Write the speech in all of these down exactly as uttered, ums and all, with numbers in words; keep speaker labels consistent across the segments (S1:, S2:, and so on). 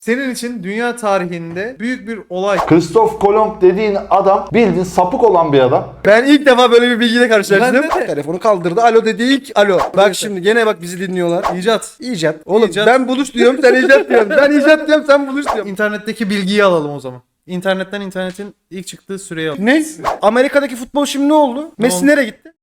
S1: Senin için dünya tarihinde büyük bir olay.
S2: Christoph Kolomb dediğin adam bildiğin sapık olan bir adam.
S3: Ben ilk defa böyle bir bilgiyle karşılaştım.
S1: Ben de.
S3: Telefonu kaldırdı. Alo dedi ilk alo. Bak şimdi gene bak bizi dinliyorlar.
S1: İcat.
S3: İcat. Oğlum
S1: İcat.
S3: ben buluş diyorum sen icat diyorsun. Ben icat diyorum sen buluş diyorsun.
S1: İnternetteki bilgiyi alalım o zaman. İnternetten internetin ilk çıktığı süreyi alalım.
S3: Ne? Amerika'daki futbol şimdi ne oldu? Messi
S1: oldu?
S3: nereye gitti?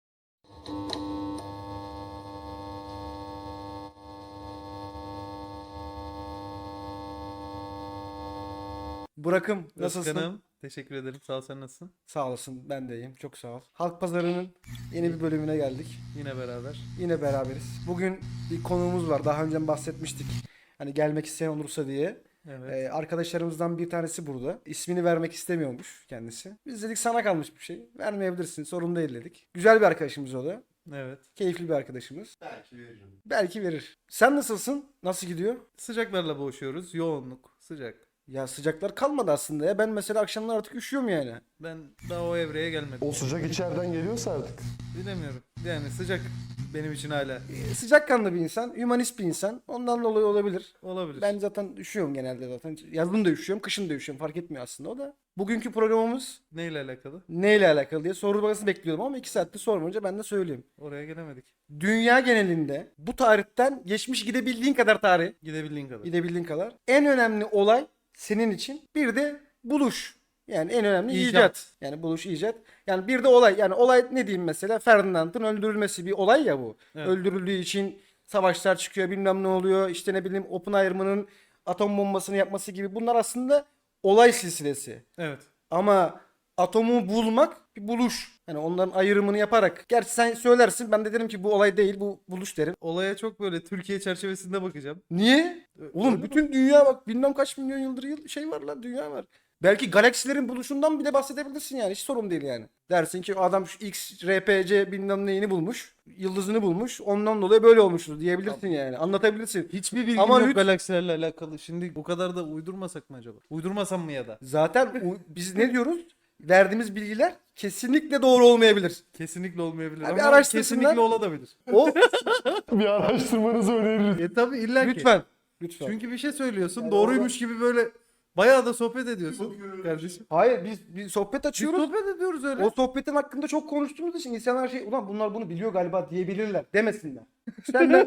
S3: Burak'ım nasılsın?
S1: Özkan'ım, teşekkür ederim. Sağ ol, sen nasılsın?
S3: Sağ olasın ben de iyiyim çok sağ ol. Halk Pazarı'nın yeni bir bölümüne geldik.
S1: Yine beraber.
S3: Yine beraberiz. Bugün bir konuğumuz var. Daha önce bahsetmiştik. Hani gelmek isteyen olursa diye.
S1: Evet.
S3: Ee, arkadaşlarımızdan bir tanesi burada. İsmini vermek istemiyormuş kendisi. Biz dedik sana kalmış bir şey. Vermeyebilirsin sorun değil dedik. Güzel bir arkadaşımız o da.
S1: Evet.
S3: Keyifli bir arkadaşımız. Belki veririm. Belki verir. Sen nasılsın? Nasıl gidiyor?
S1: Sıcaklarla boğuşuyoruz. Yoğunluk, sıcak.
S3: Ya sıcaklar kalmadı aslında ya. Ben mesela akşamlar artık üşüyorum yani.
S1: Ben daha o evreye gelmedim.
S4: O sıcak içeriden geliyorsa artık.
S1: Bilemiyorum. Yani sıcak benim için hala.
S3: Ee, sıcakkanlı bir insan, hümanist bir insan. Ondan dolayı olabilir.
S1: Olabilir.
S3: Ben zaten üşüyorum genelde zaten. Yazın da üşüyorum, kışın da üşüyorum. Fark etmiyor aslında o da. Bugünkü programımız
S1: Neyle alakalı?
S3: neyle alakalı diye soru bakası bekliyordum ama iki saatte sormayınca ben de söyleyeyim.
S1: Oraya gelemedik.
S3: Dünya genelinde bu tarihten geçmiş gidebildiğin kadar tarih,
S1: Gidebildiğin kadar.
S3: gidebildiğin kadar en önemli olay senin için bir de buluş. Yani en önemli icat.
S1: İcat.
S3: Yani buluş, icat. Yani bir de olay. Yani olay ne diyeyim mesela? Ferdinand'ın öldürülmesi bir olay ya bu.
S1: Evet.
S3: Öldürüldüğü için savaşlar çıkıyor, bilmem ne oluyor. İşte ne bileyim Oppenheimer'ın atom bombasını yapması gibi. Bunlar aslında olay silsilesi.
S1: Evet.
S3: Ama atomu bulmak bir buluş. Yani onların ayrımını yaparak. Gerçi sen söylersin ben de derim ki bu olay değil bu buluş derim.
S1: Olaya çok böyle Türkiye çerçevesinde bakacağım.
S3: Niye? Oğlum
S1: Öyle
S3: bütün dünya bak bilmem kaç milyon yıldır yıl şey var lan dünya var. Belki galaksilerin buluşundan bile bahsedebilirsin yani hiç sorun değil yani. Dersin ki adam şu X, R P C bilmem neyini bulmuş. Yıldızını bulmuş. Ondan dolayı böyle olmuştur diyebilirsin yani. Anlatabilirsin.
S1: Hiçbir bilgim
S3: Ama
S1: yok
S3: lüt-
S1: galaksilerle alakalı. Şimdi bu kadar da uydurmasak mı acaba? Uydurmasam mı ya da?
S3: Zaten u- biz ne diyoruz? Verdiğimiz bilgiler kesinlikle doğru olmayabilir.
S1: Kesinlikle olmayabilir
S3: Ya bir
S1: ama
S3: araştırsınlar.
S1: kesinlikle olabilir.
S3: O
S4: Bir araştırmanızı öneririz.
S1: E tabi illa ki.
S3: lütfen. Lütfen.
S1: Çünkü bir şey söylüyorsun
S3: Yani
S1: doğruymuş gibi böyle bayağı da sohbet ediyorsun kardeşim.
S3: Hayır biz bir sohbet
S1: Biz
S3: açıyoruz.
S1: sohbet ediyoruz öyle.
S3: O sohbetin hakkında çok konuştuğumuz için insanlar şey ulan bunlar bunu biliyor galiba diyebilirler demesinler. Senden...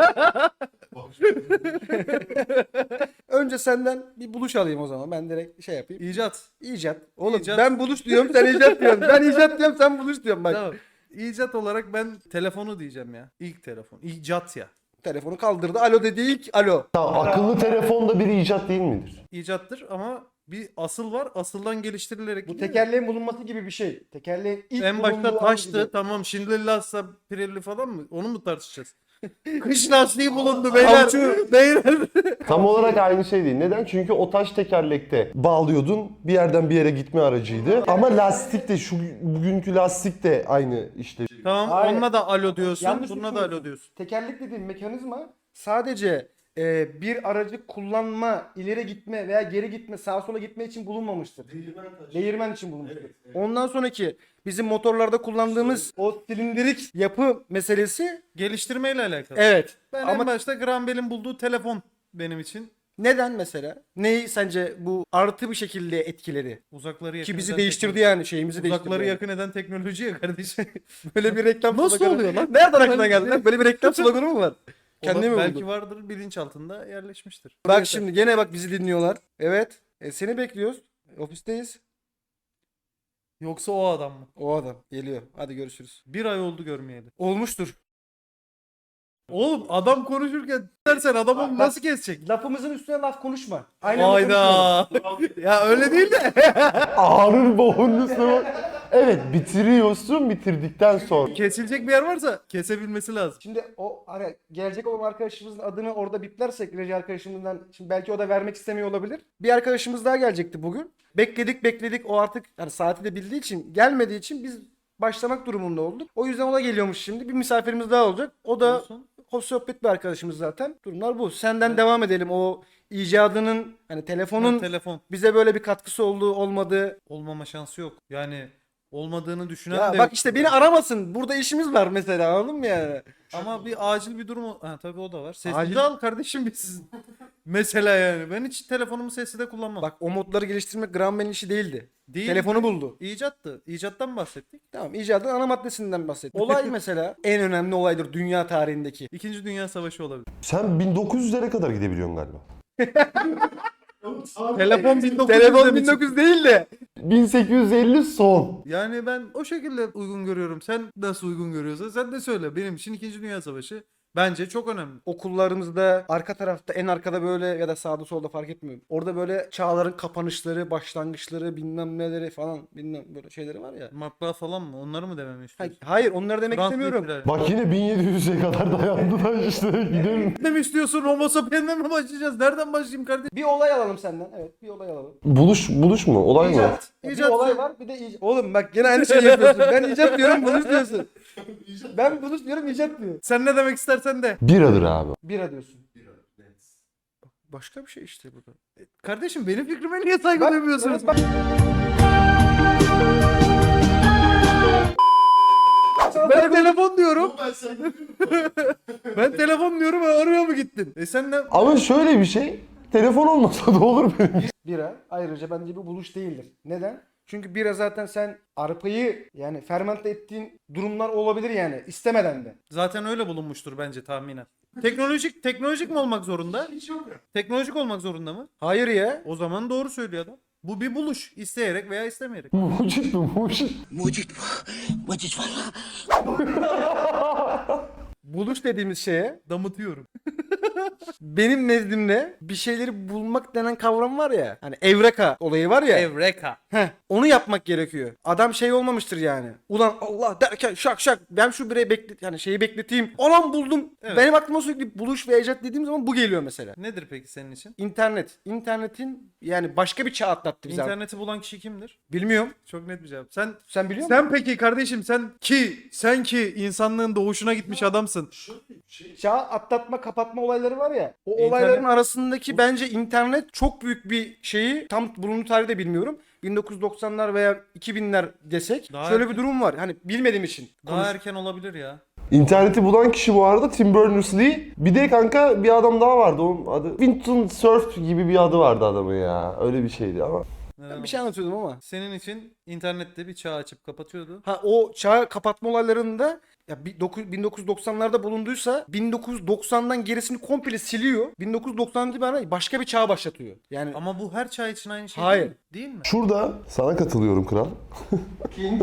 S3: Önce senden bir buluş alayım o zaman. Ben direkt şey yapayım.
S1: İcat.
S3: İcat. Oğlum
S1: İcat.
S3: ben buluş diyorum sen icat diyorsun. Ben icat diyorum sen buluş diyorsun bak.
S1: Tamam. İcat olarak ben telefonu diyeceğim ya. İlk telefon. İcat ya.
S3: Telefonu kaldırdı. Alo dedi ilk alo.
S4: Tamam, akıllı telefon da bir icat değil midir?
S1: İcattır ama bir asıl var. Asıldan geliştirilerek
S3: Bu
S1: gidiyor.
S3: tekerleğin bulunması gibi bir şey. Tekerleğin ilk
S1: En
S3: bulunduğu
S1: başta
S3: an
S1: taştı.
S3: gibi.
S1: Tamam şimdi Lhasa Pirelli falan mı? Onu mu tartışacağız? Kış lastiği bulundu beyler.
S3: Avcı.
S1: Beyler.
S4: Tam olarak aynı şey değil. Neden? Çünkü o taş tekerlekte bağlıyordun. Bir yerden bir yere gitme aracıydı. Ama lastik de şu bugünkü lastik de aynı işte.
S1: Tamam
S3: Hayır.
S1: onunla da alo diyorsun.
S3: Yanlış
S1: Bununla da
S3: düşünüyorsun.
S1: alo diyorsun.
S3: Tekerlek dediğim mekanizma sadece e, bir aracı kullanma, ileri gitme veya geri gitme, sağa sola gitme için bulunmamıştır. Değirmen için bulunmuştur. Ondan sonraki bizim motorlarda kullandığımız o silindirik yapı meselesi
S1: Geliştirmeyle alakalı.
S3: evet.
S1: Ben
S3: Ama
S1: en başta Graham Bell'in bulduğu telefon benim için.
S3: neden mesela? Neyi sence bu artı bir şekilde etkileri?
S1: Uzakları yakın
S3: Ki bizi
S1: eden
S3: değiştirdi
S1: teknoloji.
S3: yani şeyimizi değiştirdi.
S1: Uzakları
S3: yani.
S1: yakın eden teknoloji ya kardeşim.
S3: Böyle bir reklam
S1: Nasıl
S3: sloganı-
S1: oluyor lan?
S3: Nereden aklına geldi lan? Böyle bir reklam sloganı mı var? Kendi
S1: Ola-
S3: mi
S1: belki
S3: buldu?
S1: vardır bilinç altında yerleşmiştir.
S3: Bak şimdi gene bak bizi dinliyorlar. Evet. E, seni bekliyoruz. Ofisteyiz.
S1: Yoksa o adam mı?
S3: O adam geliyor. Hadi görüşürüz.
S1: Bir ay oldu görmeyeli.
S3: Olmuştur.
S1: Oğlum adam konuşurken dersen adamı
S3: Bak-
S1: nasıl kesecek?
S3: Lafımızın üstüne laf konuşma. Aynen öyle
S1: Hayda. Ya öyle değil de.
S4: Ağrır boğunlusu. Evet, bitiriyorsun, bitirdikten sonra.
S1: Kesilecek bir yer varsa kesebilmesi lazım.
S3: Şimdi o hani gelecek olan arkadaşımızın adını orada biplersek reji arkadaşımızdan şimdi belki o da vermek istemiyor olabilir. Bir arkadaşımız daha gelecekti bugün. Bekledik bekledik o artık hani saati de bildiği için gelmediği için biz başlamak durumunda olduk. O yüzden o da geliyormuş şimdi. Bir misafirimiz daha olacak. O da
S1: Olsun.
S3: hoş sohbet bir arkadaşımız zaten. Durumlar bu. Senden devam edelim. O icadının hani telefonun
S1: Ha, telefon
S3: bize böyle bir katkısı olduğu olmadığı
S1: olmama şansı yok. Yani olmadığını düşünen
S3: Ya
S1: de
S3: bak
S1: yok.
S3: işte beni aramasın. Burada işimiz var mesela, anladın mı yani?
S1: Ama bir acil bir durum o- ha tabii o da var. Sesli
S3: Acil-
S1: de al kardeşim biz. Mesela yani ben hiç telefonumu sesli de kullanmam.
S3: Bak o modları geliştirmek Graham Bell'in işi değildi.
S1: Değil.
S3: Telefonu buldu.
S1: İcattı. İcattan mı bahsettik?
S3: Tamam, icadın ana maddesinden bahsettik. Olay mesela en önemli olaydır dünya tarihindeki.
S1: İkinci Dünya Savaşı olabilir.
S4: Sen bin dokuz yüzlere kadar gidebiliyorsun galiba.
S1: Telefon bin dokuz yüzde
S3: Telefon
S1: mi
S3: bin dokuz yüz değil de.
S4: bin sekiz yüz elli son.
S1: Yani ben o şekilde uygun görüyorum. Sen nasıl uygun görüyorsan sen de söyle. Benim için İkinci Dünya Savaşı bence çok önemli.
S3: Okullarımızda arka tarafta, en arkada böyle ya da sağda solda fark etmiyor. Orada böyle çağların kapanışları, başlangıçları, bilmem neleri falan, bilmem böyle şeyleri var ya.
S1: Matbaa falan mı? Onları mı dememi
S3: Ha-
S1: istiyorsun?
S3: Hayır, onları demek
S1: Fransız
S3: istemiyorum.
S1: ihtilali.
S4: Bak yine bin yedi yüze kadar dayandılar işte. Gidelim.
S1: Ne mi istiyorsun? Homo sapiens'den mi başlayacağız? Nereden başlayayım kardeşim?
S3: Bir olay alalım senden. Evet, bir olay alalım.
S4: Buluş, buluş mu? Olay mı?
S3: İcat. Ya
S1: İcat.
S3: Bir olay var, bir de icat. Oğlum bak gene aynı şeyi yapıyorsun. Ben icat diyorum, buluş diyorsun. Ben buluş diyorum, icat diyor.
S1: Sen ne demek istersen de.
S4: Biradır abi.
S3: Bira diyorsun. Başka bir şey işte bu da.
S1: Kardeşim benim fikrime niye saygı
S3: Bak,
S1: duymuyorsunuz?
S3: evet, bak.
S1: Ben telefon diyorum. Ben telefon diyorum ve oraya mı gittin? E sen de
S4: Ama şöyle bir şey. Telefon olmasa da olur benim.
S3: Bira ayrıca bence bir buluş değildir. Neden? Çünkü bira zaten sen arpayı yani fermente ettiğin durumlar olabilir yani istemeden de.
S1: zaten öyle bulunmuştur bence tahminen. Teknolojik teknolojik mi olmak zorunda? Hiç yok. Teknolojik olmak zorunda mı?
S3: Hayır ya.
S1: O zaman doğru söylüyor adam. Bu bir buluş. İsteyerek veya istemeyerek.
S4: Mucit mi? Mucit.
S5: Mucit bu. Mucit valla.
S3: Buluş dediğimiz şeye
S1: Damıtıyorum.
S3: benim nezdimde bir şeyleri bulmak denen kavram var ya. Hani evreka olayı var ya.
S1: Evreka.
S3: Heh, onu yapmak gerekiyor. Adam şey olmamıştır yani. Ulan Allah derken şak şak ben şu bireyi beklet yani şeyi bekleteyim. Anam buldum.
S1: Evet.
S3: Benim aklıma sürekli buluş ve icat dediğim zaman bu geliyor mesela.
S1: Nedir peki senin için?
S3: İnternet. İnternetin yani başka bir çağ atlattı bizi.
S1: İnterneti bulan kişi kimdir?
S3: Bilmiyorum.
S1: Çok net bir cevap. Sen
S3: Sen biliyor musun?
S1: sen peki kardeşim sen ki sen ki insanlığın doğuşuna gitmiş adamsın.
S3: Çağ atlatma kapatma olayları var ya. O
S1: İnternet-
S3: olayların arasındaki bence internet çok büyük bir şeyi tam bulunduğu tarihi de bilmiyorum. bin dokuz yüz doksanlar veya iki binler desek
S1: Daha
S3: şöyle
S1: erken.
S3: bir durum var. Hani bilmediğim için.
S1: Daha
S3: konuş-
S1: erken olabilir ya.
S4: İnterneti bulan kişi bu arada Tim Berners-Lee. Bir de kanka bir adam daha vardı. Onun adı Winton Cerf gibi bir adı vardı adamın ya. Öyle bir şeydi ama.
S3: Ben bir şey anlatıyordum ama.
S1: Senin için internette bir çağ açıp kapatıyordu.
S3: Ha o çağ kapatma olaylarında ya bir dokuz- bin dokuz yüz doksanlarda bulunduysa bin dokuz yüz doksandan gerisini komple siliyor. bin dokuz yüz doksandan itibaren başka bir çağ başlatıyor. Yani
S1: Ama bu her çağ için aynı şey
S3: Hayır.
S1: değil mi? Değil mi?
S4: Şurada sana katılıyorum kral. King.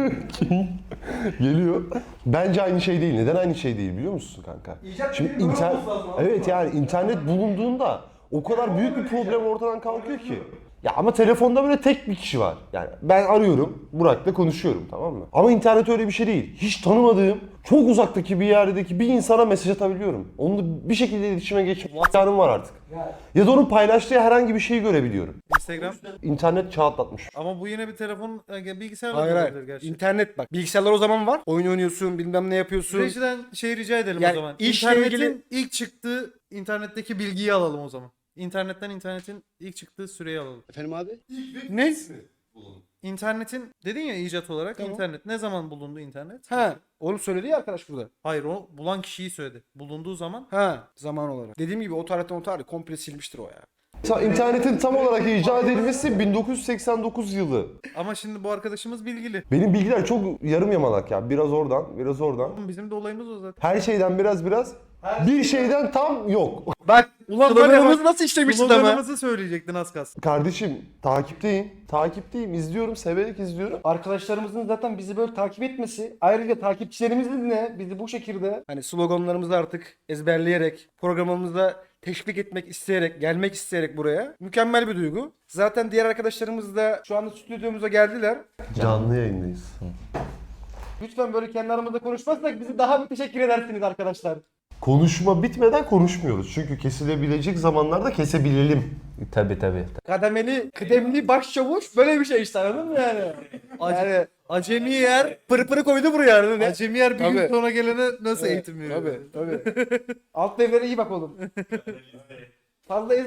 S4: Geliyor. Bence aynı şey değil. Neden aynı şey değil biliyor musun kanka? Şimdi inter... Evet yani internet bulunduğunda o kadar büyük bir problem ortadan kalkıyor ki. Ya ama telefonda böyle tek bir kişi var. Yani ben arıyorum, Burak'la konuşuyorum, tamam mı? Ama internet öyle bir şey değil. Hiç tanımadığım, çok uzaktaki bir yerdeki bir insana mesaj atabiliyorum. Onunla bir şekilde iletişime geçme imkanım var artık. Ya da onun paylaştığı herhangi bir şeyi görebiliyorum.
S1: Instagram.
S4: İnternet çağ atlatmış.
S1: Ama bu yine bir telefon, e, bilgisayarla
S3: hayır
S1: da
S3: hayır.
S1: olabilir gerçi.
S3: İnternet bak. Bilgisayarlar o zaman var. Oyun oynuyorsun, bilmem ne yapıyorsun.
S1: Rejiden şey rica edelim
S3: Yani
S1: o zaman.
S3: işle
S1: İnternetin
S3: ilgili-
S1: ilk çıktığı internetteki bilgiyi alalım o zaman. İnternetten internetin ilk çıktığı süreyi alalım.
S5: Efendim abi?
S3: Ne?
S1: İnternetin dedin ya icat olarak
S3: Tamam.
S1: internet. Ne zaman bulundu internet?
S3: Ha, onu söyledi ya arkadaş burada.
S1: Hayır o bulan kişiyi söyledi. Bulunduğu zaman
S3: Ha, zaman olarak. Dediğim gibi o tarihten o tarih komple silmiştir o ya.
S4: Ta- İnternetin tam olarak icat edilmesi bin dokuz yüz seksen dokuz yılı.
S1: ama şimdi bu arkadaşımız bilgili.
S4: Benim bilgiler çok yarım yamalak ya. Biraz oradan, biraz oradan.
S1: Bizim de olayımız o zaten.
S4: Her şeyden biraz biraz. Bir şeyden tam yok.
S3: Bak,
S1: Ulan var ya
S3: sloganımızı
S1: bak,
S3: nasıl işlemiştin ama.
S1: Sloganımızı söyleyecektin az kalsın.
S4: Kardeşim takipteyim. Takipteyim. İzliyorum. Severek izliyorum.
S3: Arkadaşlarımızın zaten bizi böyle takip etmesi, ayrıca takipçilerimizin de bizi bu şekilde hani sloganlarımızı artık ezberleyerek, programımızda teşvik etmek isteyerek, gelmek isteyerek buraya mükemmel bir duygu. Zaten diğer arkadaşlarımız da şu anda stüdyomuza geldiler.
S4: Canlı yayındayız.
S3: Lütfen böyle kendi aramızda konuşmazsak bizi daha bir teşekkür edersiniz arkadaşlar.
S4: Konuşma bitmeden konuşmuyoruz. Çünkü kesilebilecek zamanlarda kesebilelim.
S2: Tabii tabii.
S3: Kademeli, kıdemli başçavuş böyle bir şey işte, anladın mı yani? Yani
S1: Acemi yer,
S3: pırpırı koydu buraya, anladın mı?
S1: acemi yer bir gün
S3: Tabii.
S1: sonra gelene nasıl
S3: Evet,
S1: eğitim veriyor?
S3: Tabii tabii. Alt devlere iyi bak oğlum. Fazla ezme.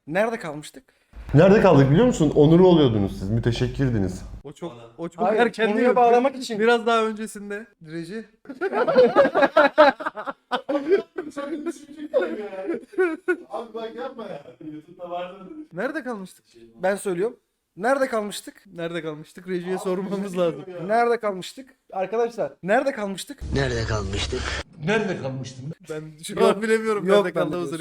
S3: Nerede kalmıştık?
S4: Nerede kaldık biliyor musun? Onuru oluyordunuz siz. Müteşekkirdiniz.
S1: O çok o çok
S3: Hayır,
S1: erken
S3: konuya
S1: değil.
S3: bağlamak için.
S1: Biraz daha öncesinde. Reji.
S2: Abi bak yapma ya. YouTube'da vardı.
S1: Nerede kalmıştık?
S3: Ben söylüyorum. Nerede kalmıştık?
S1: Nerede kalmıştık? Rejiye sormamız lazım.
S3: Nerede kalmıştık? Arkadaşlar nerede kalmıştık?
S5: Nerede kalmıştık?
S1: Ben şu an bilemiyorum
S3: Yok,
S1: nerede
S3: ben de
S1: kaldığımızı.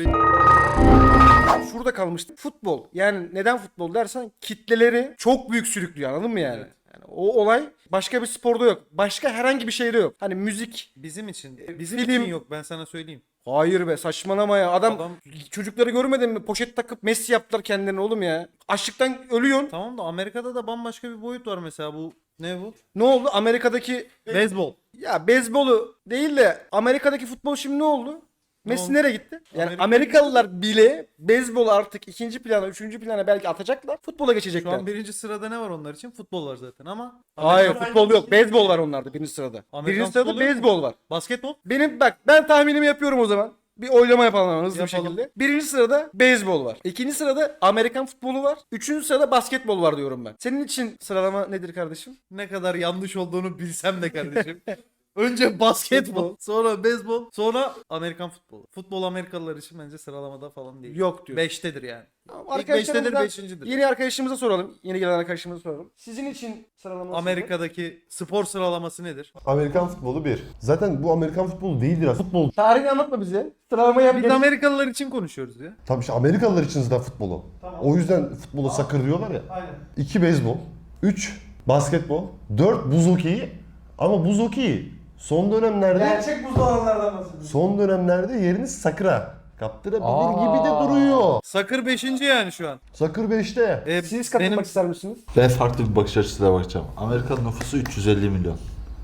S3: Şurada kalmıştık. Futbol. Yani neden futbol dersen kitleleri çok büyük sürüklüyor, anladın mı yani? Yani o olay başka bir sporda yok. Başka herhangi bir şeyde yok. Hani müzik.
S1: Bizim için. Bizim
S3: Film-
S1: için yok, ben sana söyleyeyim.
S3: Hayır be, saçmalama ya. Adam,
S1: Adam-
S3: çocukları görmedin mi? Poşet takıp Messi yaptılar kendilerine oğlum ya. Açlıktan ölüyorsun.
S1: Tamam da Amerika'da da bambaşka bir boyut var mesela, bu ne bu?
S3: Ne oldu? Amerika'daki
S1: Beyzbol.
S3: ya beyzbolu değil de Amerika'daki futbol şimdi ne oldu? Messi
S1: oldu?
S3: nereye gitti? Yani
S1: Amerika-
S3: Amerikalılar bile beyzbolu artık ikinci plana, üçüncü plana belki atacaklar. Futbola
S1: Şu
S3: geçecekler.
S1: an birinci sırada ne var onlar için? Futbol var zaten ama.
S3: Hayır,
S1: Amerika-
S3: futbol yok. Beyzbol var onlarda birinci sırada.
S1: Amerikan
S3: birinci sırada
S1: futbolu yok mu?
S3: beyzbol var.
S1: Basketbol.
S3: Benim bak, ben tahminimi yapıyorum o zaman. Bir oylama yapalım hemen hızlı
S1: Yapalım.
S3: bir şekilde. Birinci sırada beyzbol var. İkinci sırada Amerikan futbolu var. Üçüncü sırada basketbol var diyorum ben. Senin için sıralama nedir kardeşim?
S1: Ne kadar yanlış olduğunu bilsem de kardeşim. Önce basketbol, sonra beyzbol, sonra Amerikan futbolu. Futbol Amerikalılar için bence sıralamada falan değil.
S3: Yok diyor.
S1: Beştedir yani.
S3: Tamam,
S1: İlk beştedir,
S3: arkadaşlarımızdan
S1: beşincidir.
S3: Yeni arkadaşımıza soralım. Yeni gelen arkadaşımıza soralım. Sizin için sıralaması
S1: Amerika'daki spor sıralaması nedir?
S4: Amerikan futbolu bir. Zaten bu Amerikan futbolu değildir aslında. Futbol.
S3: tarihini anlatma bize. Sıralamayı yap.
S1: Biz
S3: Geç-
S1: Amerikalılar için konuşuyoruz ya.
S4: Tabii işte Amerikalılar için zaten futbolu. O yüzden futbola sakır diyorlar ya.
S3: Aynen.
S4: iki beyzbol. Üç basketbol. Dört buz hokeyi. Ama buz hokeyi son dönemlerde
S3: Gerçek buzlu alanlardan bahsediyoruz.
S4: son dönemlerde yerini sakıra kaptırabilir gibi de duruyor.
S1: Sakır beşinci yani şu an.
S4: Sakır beşte.
S1: Ee,
S3: Siz katılmak
S1: benim
S3: ister misiniz?
S6: Ben farklı bir bakış açısıyla bakacağım. Amerikan nüfusu üç yüz elli milyon.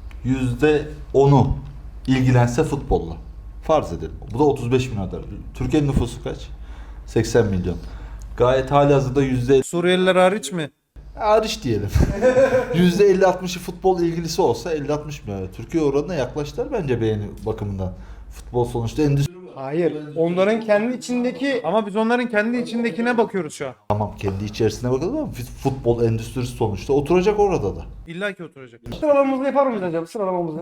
S6: yüzde onu ilgilense futbolla. Farz edelim. Bu da otuz beş milyon eder. Türkiye'nin nüfusu kaç? seksen milyon. Gayet halihazırda yüzde
S1: Suriyeliler hariç mi?
S6: hariç diyelim. yüzde elli altmışı futbol ilgilisi olsa elli altmış milyon. Türkiye oranına yaklaştılar bence beğeni bakımından. Futbol sonuçta endüstri.
S3: Hayır. Onların kendi içindeki
S1: Ama biz onların kendi içindekine bakıyoruz şu an.
S6: Tamam kendi içerisine bakalım ama futbol endüstrisi sonuçta oturacak orada da.
S1: İlla ki oturacak.
S3: sıralamamızı yapar mıyız acaba? Sıralamamızı.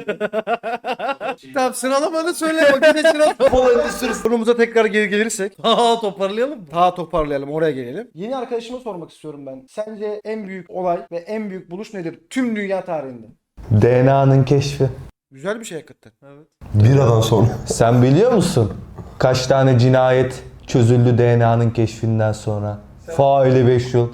S1: Tamam, sıralamanı söyle bakayım, ne sıralama.
S6: Futbol endüstrisi.
S3: Konumuza tekrar geri gelirsek.
S1: Aa, toparlayalım mı?
S3: Daha toparlayalım, oraya gelelim. Yeni arkadaşıma sormak istiyorum ben. Sence en büyük olay ve en büyük buluş nedir tüm dünya tarihinde?
S7: D N A'nın keşfi.
S3: Güzel bir şey hakikaten.
S1: Evet.
S4: Biradan sonra.
S7: Sen biliyor musun? Kaç tane cinayet çözüldü D N A'nın keşfinden sonra? Faili beş yıl.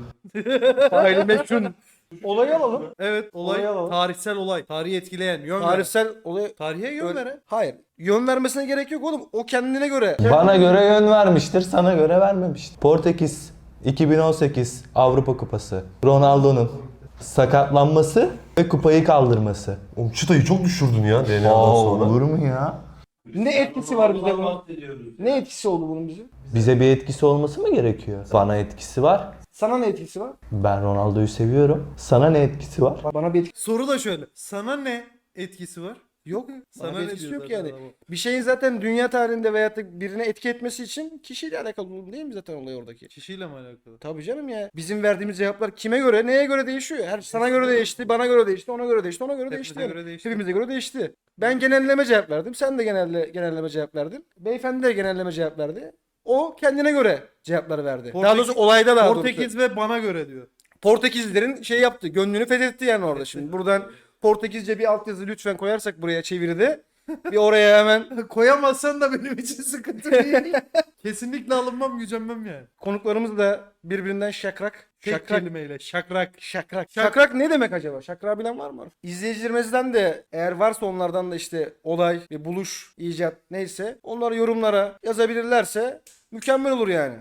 S3: Faili meşhun. Olayı alalım.
S1: Evet, olay
S3: Olay alalım.
S1: tarihsel olay. Tarihi etkileyen, yön veren.
S3: Tarihsel olay.
S1: Tarihe yön
S3: Öyle-
S1: veren.
S3: Hayır. Yön vermesine gerek yok oğlum. O kendine göre.
S7: Bana göre yön vermiştir, sana göre vermemiştir. Portekiz iki bin on sekiz Avrupa Kupası. Ronaldo'nun sakatlanması ve kupayı kaldırması.
S4: Oğlum çıtayı çok düşürdün ya D N A'dan
S7: Aa,
S4: sonra.
S7: olur mu ya?
S3: Ne etkisi var bize bunun? Ne etkisi oldu bunun bize?
S7: Bize bir etkisi olması mı gerekiyor? Bana etkisi var.
S3: Sana ne etkisi var?
S7: Ben Ronaldo'yu seviyorum. Sana ne etkisi var?
S3: Bana bir etkisi
S1: Soru da şöyle. Sana ne etkisi var?
S3: yok.
S1: Sana
S3: Bana
S1: ne
S3: bir etkisi
S1: diyor
S3: yok
S1: zaten
S3: yani.
S1: adam?
S3: Bir şeyin zaten dünya tarihinde veyahut da birine etki etmesi için kişiyle alakalı durum değil mi zaten olay oradaki?
S1: Kişiyle mi alakalı?
S3: Tabii canım ya. Bizim verdiğimiz cevaplar kime göre, neye göre değişiyor? Her sana göre değişti, bana göre değişti, ona göre değişti, ona göre
S1: Hepimize
S3: değişti. yani.
S1: göre değişti.
S3: Hepimize göre değişti. Ben genelleme cevap verdim. Sen de genelle, genelleme cevap verdin. Beyefendi de genelleme cevap verdi. O kendine göre cevapları verdi. daha
S1: Portekiz-
S3: doğrusu olayda daha doğrusu.
S1: Portekiz ve bana göre diyor.
S3: Portekizlilerin şey yaptı. Gönlünü fethetti yani orada. Şimdi buradan Portekizce bir altyazı lütfen koyarsak buraya çeviride. Bir oraya hemen
S1: Koyamazsan da benim için sıkıntı değil. Kesinlikle alınmam, gücenmem yani.
S3: konuklarımız da birbirinden şakrak.
S1: Tek
S3: Şakrak.
S1: kelimeyle şakrak.
S3: Şakrak. Şakrak ne demek acaba? Şakrak bilen var mı? İzleyicilerimizden de eğer varsa onlardan da işte olay, bir buluş, icat neyse onları yorumlara yazabilirlerse mükemmel olur yani.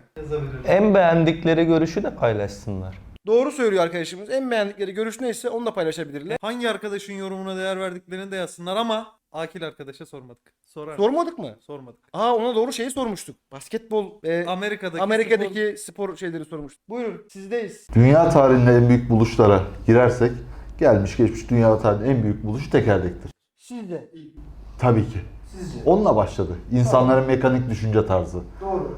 S7: En beğendikleri görüşü de paylaşsınlar.
S3: Doğru söylüyor arkadaşımız. En beğendikleri görüş neyse onu da paylaşabilirler.
S1: Hangi arkadaşın yorumuna değer verdiklerini de yazsınlar ama Akil arkadaşa sormadık. Sorar.
S3: Sormadık mı?
S1: Sormadık.
S3: Aa, ona doğru şeyi sormuştuk. Basketbol ve
S1: Amerika'daki
S3: Amerika'daki spor... şeyleri sormuştuk. Buyurun sizdeyiz.
S6: Dünya tarihinin en büyük buluşlara girersek gelmiş geçmiş dünya tarihinin en büyük buluşu tekerlektir.
S3: Sizde.
S6: Tabii ki.
S3: Sizce.
S6: Onunla başladı. İnsanların mekanik düşünce tarzı.
S3: Doğru.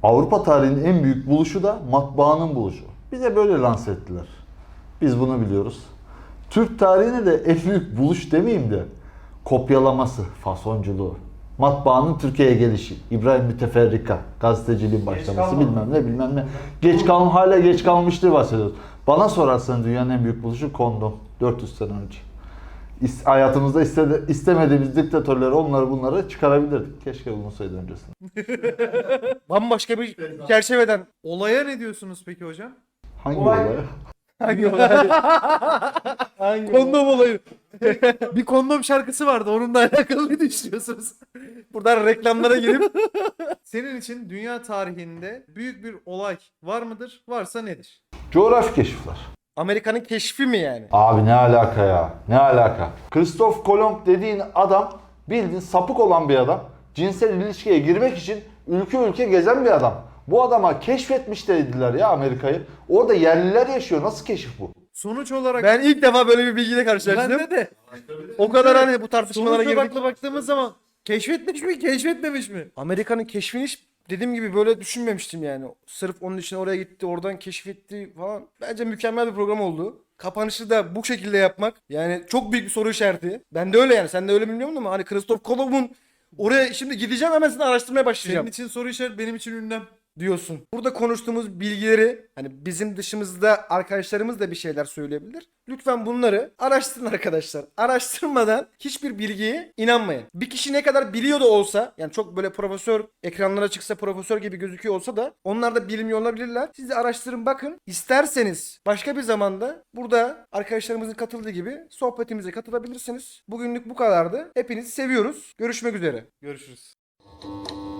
S2: Avrupa tarihinin en büyük buluşu da matbaanın buluşu. Bize böyle lanse ettiler. Biz bunu biliyoruz. Türk tarihine de en büyük buluş demeyeyim de kopyalaması, fasonculuğu. Matbaanın Türkiye'ye gelişi, İbrahim Müteferrika, gazeteciliğin başlaması bilmem ne bilmem ne. Geç kalm hala geç kalmıştır bahsediyoruz. Bana sorarsan dünyanın en büyük buluşu kondom. dört yüz sene önce. İs- hayatımızda istedi, istemediğimiz diktatörleri onları bunları çıkarabilirdik. Keşke bulunsaydı öncesinde.
S3: Bambaşka bir çerçeveden.
S1: Olaya ne diyorsunuz peki hocam?
S2: Hangi
S3: Olay-
S2: olay?
S3: Hangi olay? Hangi
S1: Kondom olayı. Bir kondom şarkısı vardı. Onunla alakalı ne düşünüyorsunuz?
S3: Buradan reklamlara girip
S1: Senin için dünya tarihinde büyük bir olay var mıdır? Varsa nedir?
S2: Coğrafi keşifler.
S3: Amerika'nın keşfi mi yani?
S2: Abi ne alaka ya? Ne alaka? Christoph Kolomb dediğin adam bildiğin sapık olan bir adam. Cinsel ilişkiye girmek için ülke ülke gezen bir adam. Bu adama keşfetmiş dediler ya Amerika'yı. Orada yerliler yaşıyor. Nasıl keşif bu?
S1: Sonuç olarak
S3: Ben ilk defa böyle bir bilgiyle karşılaştım.
S1: ben de de
S3: O kadar hani bu tartışmalara
S1: sonuç
S3: girdik.
S1: odaklı baktığımız zaman keşfetmiş mi, keşfetmemiş mi?
S3: Amerika'nın keşfini hiç dediğim gibi böyle düşünmemiştim yani. Sırf onun için oraya gitti, oradan keşfetti falan. Bence mükemmel bir program oldu. Kapanışı da bu şekilde yapmak yani çok büyük bir soru işareti. Ben de öyle yani. Sen de öyle bilmiyorum ama hani Christoph Kolomb'un oraya şimdi gideceğim hemen seni araştırmaya başlayacağım
S1: Senin için soru işareti, benim için ünlem.
S3: diyorsun. Burada konuştuğumuz bilgileri hani bizim dışımızda arkadaşlarımız da bir şeyler söyleyebilir. Lütfen bunları araştırın arkadaşlar. Araştırmadan hiçbir bilgiye inanmayın. Bir kişi ne kadar biliyor da olsa yani çok böyle profesör ekranlara çıksa profesör gibi gözüküyor olsa da onlar da bilmiyor olabilirler. Siz de araştırın bakın. İsterseniz başka bir zamanda burada arkadaşlarımızın katıldığı gibi sohbetimize katılabilirsiniz. Bugünlük bu kadardı. Hepinizi seviyoruz. Görüşmek üzere.
S1: Görüşürüz.